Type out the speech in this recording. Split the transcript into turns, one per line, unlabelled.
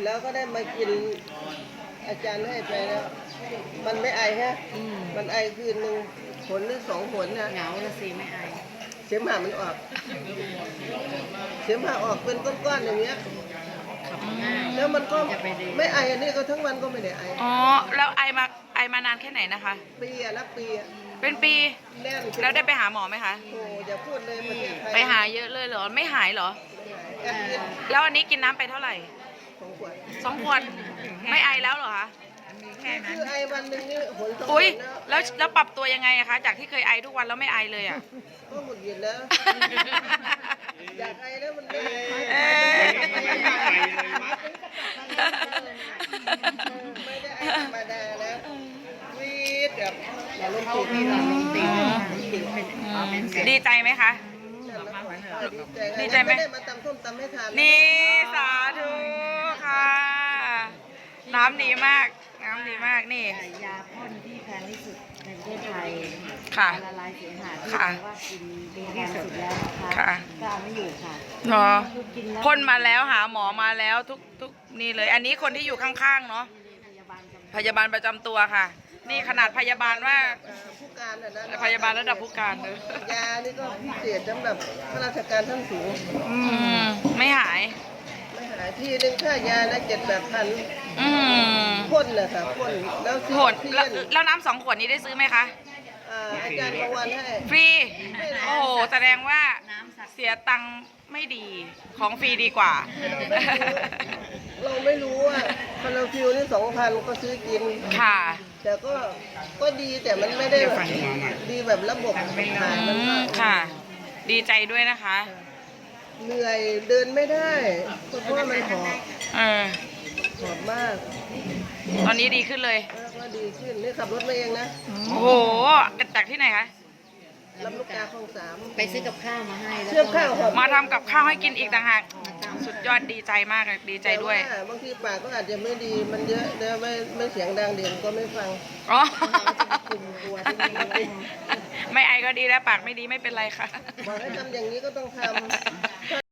แล้วก็ได้มากินอาจารย์ให้ไปแล้ว มันไม่ไอฮะมันไอคืนหนึ่งผลหรือ2 ผลนะ
เหงาละสิไม่ไอ
เสมหะมันออกเสมหะออกเป็นก้อนๆอย่างเงี้ยแล้วมันก็ไม่ไออันนี้ก็ทั้งวันก็ไม่ได้ไอ
อ๋อแล้วไอมานานแค่ไหนนะคะ
ปีอะนับปีอะ
เป็นปี
แน่น
แล้วได้ไปหาหมอไหมคะ
โอ้อย่าพูดเลยประเทศไทย
ไปหาเยอะเลยเหรอไม่หายเหรอ
แอบกิน
แล้วอันนี้กินน้ำไปเท่าไหร่
2 ขวด
2 ขวดไม่ไอแล้วเหรอคะ
คือไอวันหนึ่งนี่ผล2 ผ
อุ้ย
ลแล้ว
แล้วปรับตัวยังไงอะคะจากที่เคยไอทุกวันแล้วไม่ไอเลยอะ
ก็หมดหยินแล้ว อยากไอแล้วมันไม่ไอ
เอ้ย
ไม่ได้ไอธรรมดาแล้ววีดแบบอย่าลงติด
มีหลอดลมตีบ
ดีใจไหมคะ ดีใจไหม
ได้มาตำส้มตำให้ทาน
นี่สาธุค่ะ น้ำดีมากน้ำดีมากนี่
ยาพ่นที่แพงที่สุดในประเทศไทย
ค่ะ
ละลายเสมหะที่
ค่ะ
ว่ากินดีที่สุดแล้วนะคะ
ค่ะ
ก็เอาไม่อยู่ค่ะ
เนาะ
คือกินแล้ว
พ่นมาแล้วหาหมอมาแล้วทุกนี่เลย อันนี้คนที่อยู่ข้างๆเนาะ
พยาบาลจำ
พยาบาลประจำตัวค่ะ นี่ขนาดพยาบาลว่า
ผู้การน่ะนะ
พยาบาลระดับผู้การเลย
ยานี่ก็พิเศษสำหรับข้าราชการท่านสูง
ไม่หาย
ไม่หายที่หนึงค่ายานะ7-8 พัน
อืม
พ่นเลยค่ะพ่นแล้วซื้อ
ผล
ที่
แล้ว
เล่น
แล้วน้ำ2 ขวดนี้ได้ซื้อไหมคะ
อาจารย์ประวันให้
ฟรี โอ้โหแสดงว่า
น้ำศักดิ์
เสียตังค์ไม่ดีของฟรีดีกว่า
เราไม่รู้ว่าคาราฟิวนี่2,000ก็ซื้อกิน
ค่ะ
แต่ก็ดีแต่มันไม่ได้ดีแบบระบบหายมันก็
ค่ะ ดีใจด้วยนะคะ
เหนื่อยเดินไม่ได้เพราะว่ามันหอบ
เออ
หอบมาก
ตอนนี้ดีขึ้นเลย
แล้วก็ดีขึ้นนี่ขับรถมาเองนะ
โอ้โหจากที่ไหนคะ
ลำลูกกาคลอง 3
ไปซื้อกับข้าวมาให้แล้ว
เชื่อมข้าวหอบ
มาทำกับข้าวให้กินอีกต่างหากสุดยอดดีใจมากเลยดีใจด้วย
แต่าบางทีปากก็อาจจะไม่ดีมันเยอะเดี๋ยวไม่เสียงดังเด่นก็ไม่ฟัง
อ๋อ
กลุ่มกลัวที่ไม่รู้
ไม่ไอก็ดีแล้วปากไม่ดีไม่เป็นไรค่ะ
บอกให้ทำอย่างนี้ก็ต้องทำ